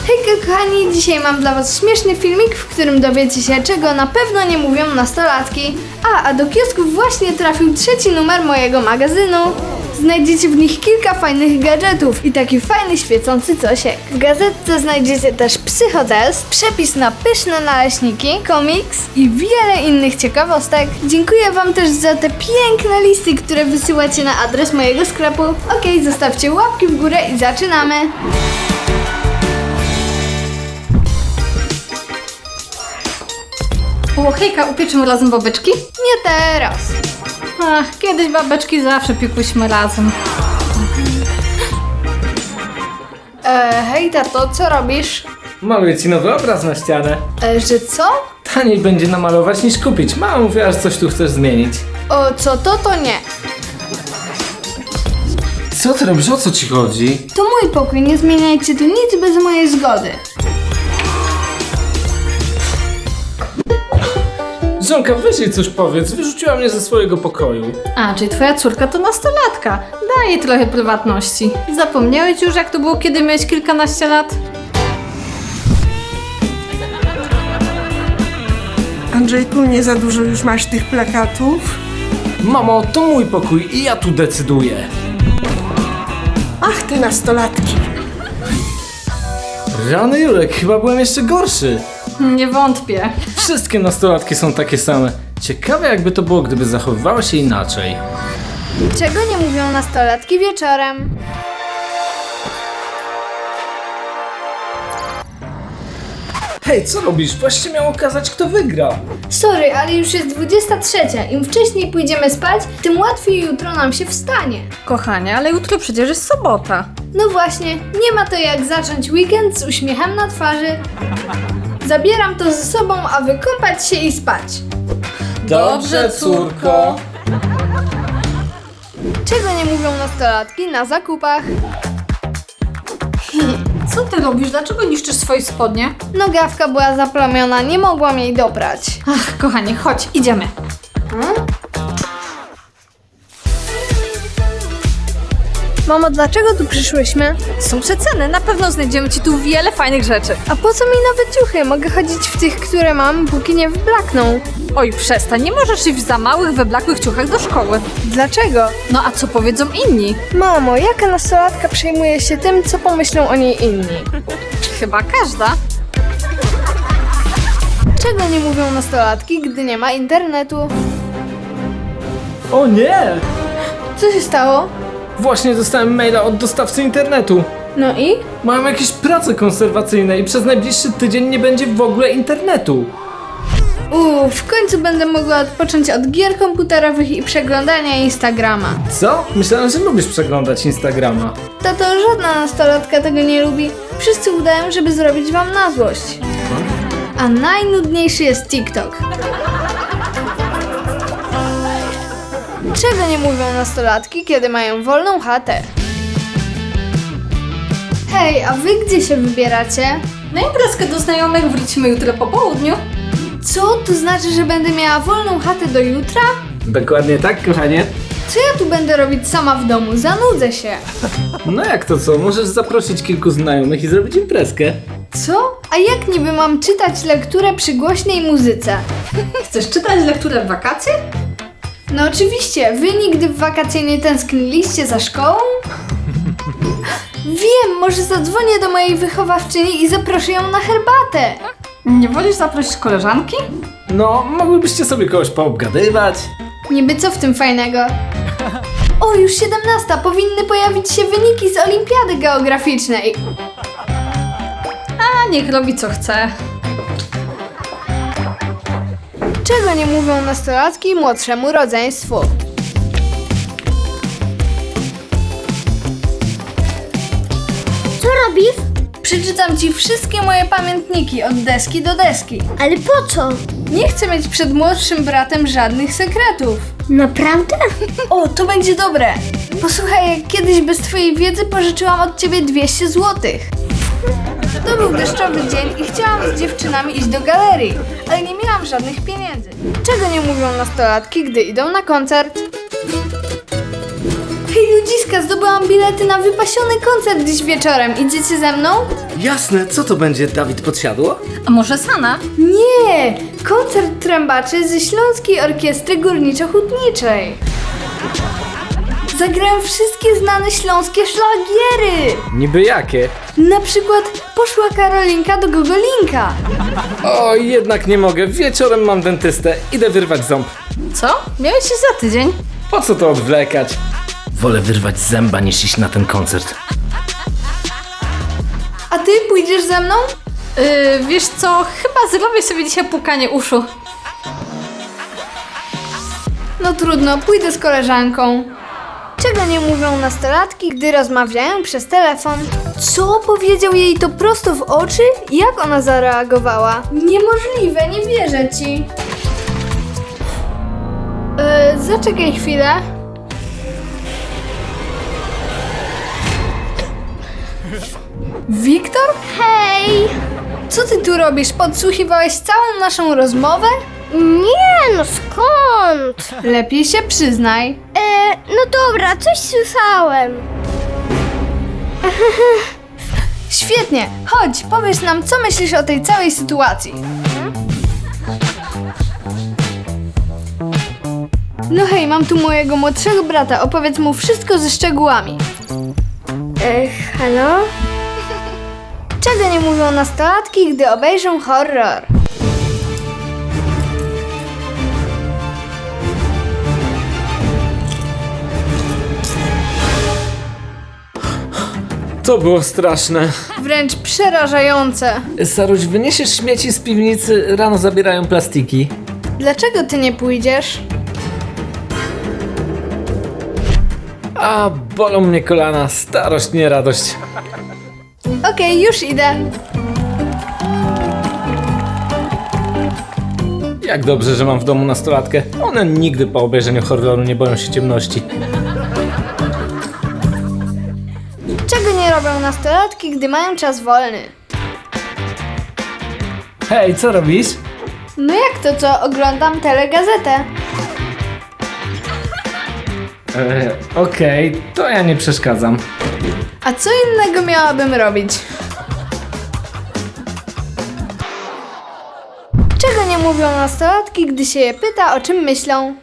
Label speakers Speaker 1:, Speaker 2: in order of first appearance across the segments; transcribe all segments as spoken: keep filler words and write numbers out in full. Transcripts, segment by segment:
Speaker 1: Hejka kochani, dzisiaj mam dla was śmieszny filmik, w którym dowiecie się, czego na pewno nie mówią nastolatki. A, a do kiosków właśnie trafił trzeci numer mojego magazynu. Znajdziecie w nich kilka fajnych gadżetów i taki fajny świecący cosiek. W gazetce znajdziecie też psychotest, przepis na pyszne naleśniki, komiks i wiele innych ciekawostek. Dziękuję wam też za te piękne listy, które wysyłacie na adres mojego sklepu. Okej, zostawcie łapki w górę i zaczynamy!
Speaker 2: O, hejka, upieczymy razem babeczki?
Speaker 1: Nie teraz!
Speaker 2: Ach, kiedyś babeczki zawsze piekłyśmy razem.
Speaker 1: E, hej tato, co robisz?
Speaker 3: Maluję ci nowy obraz na ścianę.
Speaker 1: E, że co?
Speaker 3: Taniej będzie namalować niż kupić. Mama mówiła, że coś tu chcesz zmienić.
Speaker 1: O, co to, to nie.
Speaker 3: Co ty robisz? O co ci chodzi?
Speaker 1: To mój pokój, nie zmieniajcie tu nic bez mojej zgody.
Speaker 3: Żonka, weź jej coś powiedz. Wyrzuciła mnie ze swojego pokoju.
Speaker 2: A, czyli twoja córka to nastolatka. Daj jej trochę prywatności. Zapomniałeś już, jak to było, kiedy miałeś kilkanaście lat?
Speaker 4: Andrzejku, nie za dużo już masz tych plakatów?
Speaker 3: Mamo, to mój pokój i ja tu decyduję.
Speaker 4: Ach, te nastolatki.
Speaker 3: Rany Jurek, chyba byłem jeszcze gorszy.
Speaker 2: Nie wątpię.
Speaker 3: Wszystkie nastolatki są takie same. Ciekawe jakby to było, gdyby zachowywały się inaczej.
Speaker 1: Czego nie mówią nastolatki wieczorem?
Speaker 3: Hej, co robisz? Właśnie miał okazać, kto wygra.
Speaker 1: Sorry, ale już jest dwudziesta trzecia. Im wcześniej pójdziemy spać, tym łatwiej jutro nam się wstanie.
Speaker 2: Kochanie, ale jutro przecież jest sobota.
Speaker 1: No właśnie, nie ma to jak zacząć weekend z uśmiechem na twarzy. Zabieram to ze sobą, a wykąpać się i spać.
Speaker 3: Dobrze, córko.
Speaker 1: Czego nie mówią nastolatki na zakupach?
Speaker 2: Co ty robisz? Dlaczego niszczysz swoje spodnie?
Speaker 1: Nogawka była zaplamiona, nie mogłam jej dobrać.
Speaker 2: Ach, kochanie, chodź, idziemy.
Speaker 1: Hmm? Mamo, dlaczego tu przyszłyśmy?
Speaker 2: Są przeceny, na pewno znajdziemy ci tu wiele fajnych rzeczy.
Speaker 1: A po co mi nowe ciuchy? Mogę chodzić w tych, które mam, póki nie wyblakną.
Speaker 2: Oj, przestań, nie możesz iść w za małych, wyblakłych ciuchach do szkoły.
Speaker 1: Dlaczego?
Speaker 2: No a co powiedzą inni?
Speaker 1: Mamo, jaka nastolatka przejmuje się tym, co pomyślą o niej inni?
Speaker 2: Chyba każda.
Speaker 1: Czego nie mówią nastolatki, gdy nie ma internetu?
Speaker 3: O nie!
Speaker 1: Co się stało?
Speaker 3: Właśnie dostałem maila od dostawcy internetu.
Speaker 1: No i?
Speaker 3: Mają jakieś prace konserwacyjne i przez najbliższy tydzień nie będzie w ogóle internetu.
Speaker 1: Uuu, w końcu będę mogła odpocząć od gier komputerowych i przeglądania Instagrama.
Speaker 3: Co? Myślałem, że lubisz przeglądać Instagrama.
Speaker 1: Tato, żadna nastolatka tego nie lubi. Wszyscy udają, żeby zrobić wam na złość. A najnudniejszy jest TikTok. Czego nie mówią nastolatki, kiedy mają wolną chatę? Hej, a wy gdzie się wybieracie?
Speaker 2: Na imprezkę do znajomych wrócimy jutro po południu.
Speaker 1: Co? To znaczy, że będę miała wolną chatę do jutra?
Speaker 3: Dokładnie tak, kochanie.
Speaker 1: Co ja tu będę robić sama w domu? Zanudzę się.
Speaker 3: No jak to co? Możesz zaprosić kilku znajomych i zrobić imprezkę.
Speaker 1: Co? A jak niby mam czytać lekturę przy głośnej muzyce?
Speaker 2: Chcesz czytać lekturę w wakacje?
Speaker 1: No oczywiście, wy nigdy w wakacje nie tęskniliście za szkołą? Wiem, może zadzwonię do mojej wychowawczyni i zaproszę ją na herbatę.
Speaker 2: Nie wolisz zaprosić koleżanki?
Speaker 3: No, mogłybyście sobie kogoś poobgadywać.
Speaker 1: Niby co w tym fajnego? O, już siedemnasta, powinny pojawić się wyniki z olimpiady geograficznej.
Speaker 2: A niech robi co chce.
Speaker 1: Czego nie mówią nastolatki młodszemu rodzeństwu?
Speaker 5: Co robisz?
Speaker 1: Przeczytam ci wszystkie moje pamiętniki od deski do deski.
Speaker 5: Ale po co?
Speaker 1: Nie chcę mieć przed młodszym bratem żadnych sekretów.
Speaker 5: Naprawdę?
Speaker 1: O, to będzie dobre. Posłuchaj, jak kiedyś bez twojej wiedzy pożyczyłam od ciebie dwieście złotych. To był deszczowy dzień i chciałam z dziewczynami iść do galerii, ale nie miałam żadnych pieniędzy. Czego nie mówią nastolatki, gdy idą na koncert? Hej ludziska! Iska, zdobyłam bilety na wypasiony koncert dziś wieczorem. Idziecie ze mną?
Speaker 6: Jasne, co to będzie, Dawid Podsiadło?
Speaker 2: A może Sana?
Speaker 1: Nie! Koncert trębaczy ze Śląskiej Orkiestry Górniczo-Hutniczej. Zagrają wszystkie znane śląskie szlagiery.
Speaker 3: Niby jakie?
Speaker 1: Na przykład Poszła Karolinka do Gogolinka.
Speaker 3: O, jednak nie mogę. Wieczorem mam dentystę. Idę wyrwać ząb.
Speaker 2: Co? Miałeś iść za tydzień?
Speaker 3: Po co to odwlekać?
Speaker 6: Wolę wyrwać zęba niż iść na ten koncert.
Speaker 1: A ty pójdziesz ze mną?
Speaker 2: Yy, wiesz co, chyba zrobię sobie dzisiaj pukanie uszu.
Speaker 1: No trudno, pójdę z koleżanką. Czego nie mówią nastolatki, gdy rozmawiają przez telefon? Co? Powiedział jej to prosto w oczy? Jak ona zareagowała? Niemożliwe, nie wierzę ci. Yy, zaczekaj chwilę. Wiktor? Hej! Co ty tu robisz? Podsłuchiwałeś całą naszą rozmowę?
Speaker 5: Nie, no skąd?
Speaker 1: Lepiej się przyznaj.
Speaker 5: E, no dobra, coś słyszałem.
Speaker 1: Świetnie, chodź, powiedz nam, co myślisz o tej całej sytuacji. No hej, mam tu mojego młodszego brata, opowiedz mu wszystko ze szczegółami.
Speaker 5: E, halo?
Speaker 1: Czego nie mówią nastolatki, gdy obejrzą horror?
Speaker 3: To było straszne.
Speaker 1: Wręcz przerażające.
Speaker 3: Saruś, wyniesiesz śmieci z piwnicy, rano zabierają plastiki.
Speaker 1: Dlaczego ty nie pójdziesz?
Speaker 3: A, bolą mnie kolana, starość, nie radość.
Speaker 1: Okej, już idę.
Speaker 3: Jak dobrze, że mam w domu nastolatkę. One nigdy po obejrzeniu horroru nie boją się ciemności.
Speaker 1: Czego nie robią nastolatki, gdy mają czas wolny?
Speaker 3: Hej, co robisz?
Speaker 1: No jak to co? Oglądam telegazetę.
Speaker 3: Eee, okej, to ja nie przeszkadzam.
Speaker 1: A co innego miałabym robić? Czego nie mówią nastolatki, gdy się je pyta, o czym myślą?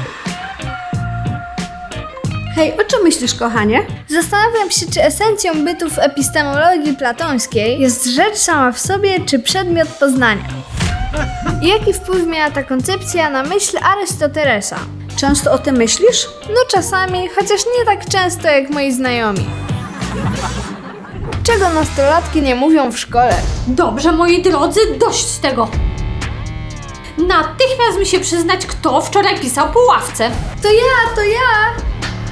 Speaker 7: Hej, o czym myślisz, kochanie?
Speaker 1: Zastanawiam się, czy esencją bytu w epistemologii platońskiej jest rzecz sama w sobie, czy przedmiot poznania. I jaki wpływ miała ta koncepcja na myśl Arystotelesa?
Speaker 7: Często o tym myślisz?
Speaker 1: No czasami, chociaż nie tak często jak moi znajomi. Czego nastolatki nie mówią w szkole?
Speaker 2: Dobrze, moi drodzy, dość z tego. Natychmiast mi się przyznać, kto wczoraj pisał po ławce.
Speaker 1: To ja, to ja!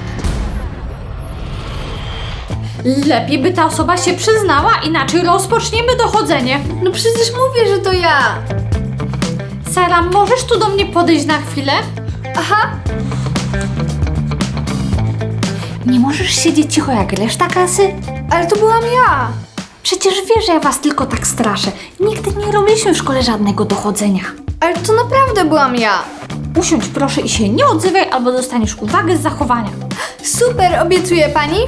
Speaker 2: Lepiej by ta osoba się przyznała, inaczej rozpoczniemy dochodzenie.
Speaker 1: No przecież mówię, że to ja!
Speaker 2: Sara, możesz tu do mnie podejść na chwilę?
Speaker 1: Aha!
Speaker 2: Nie możesz siedzieć cicho jak reszta klasy?
Speaker 1: Ale to byłam ja!
Speaker 2: Przecież wiesz, że ja was tylko tak straszę. Nigdy nie robiliśmy w szkole żadnego dochodzenia.
Speaker 1: Ale to naprawdę byłam ja!
Speaker 2: Usiądź proszę i się nie odzywaj, albo dostaniesz uwagę z zachowania.
Speaker 1: Super, obiecuje pani?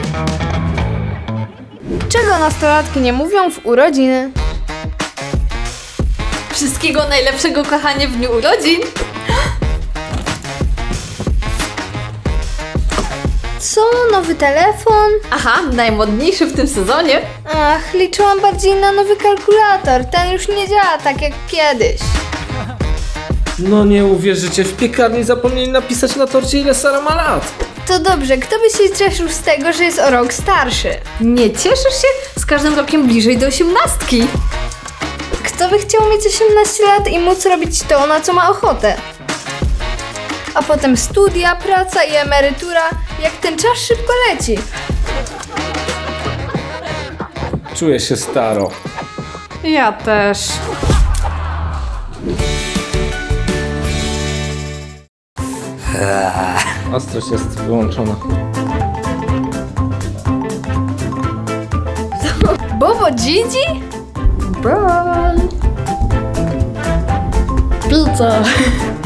Speaker 1: Czego nastolatki nie mówią w urodziny?
Speaker 2: Wszystkiego najlepszego, kochanie, w dniu urodzin.
Speaker 1: Co? Nowy telefon?
Speaker 2: Aha, najmodniejszy w tym sezonie.
Speaker 1: Ach, liczyłam bardziej na nowy kalkulator. Ten już nie działa tak jak kiedyś.
Speaker 3: No nie uwierzycie, w piekarni zapomnieli napisać na torcie, ile Sara ma lat.
Speaker 1: To dobrze, kto by się cieszył z tego, że jest o rok starszy?
Speaker 2: Nie cieszysz się? Z każdym rokiem bliżej do osiemnastki.
Speaker 1: Kto by chciał mieć osiemnaście lat i móc robić to, na co ma ochotę? A potem studia, praca i emerytura. Jak ten czas szybko leci.
Speaker 3: Czuję się staro.
Speaker 2: Ja też.
Speaker 3: Ostrość jest wyłączona.
Speaker 1: Bobo Gigi?
Speaker 7: Pizza.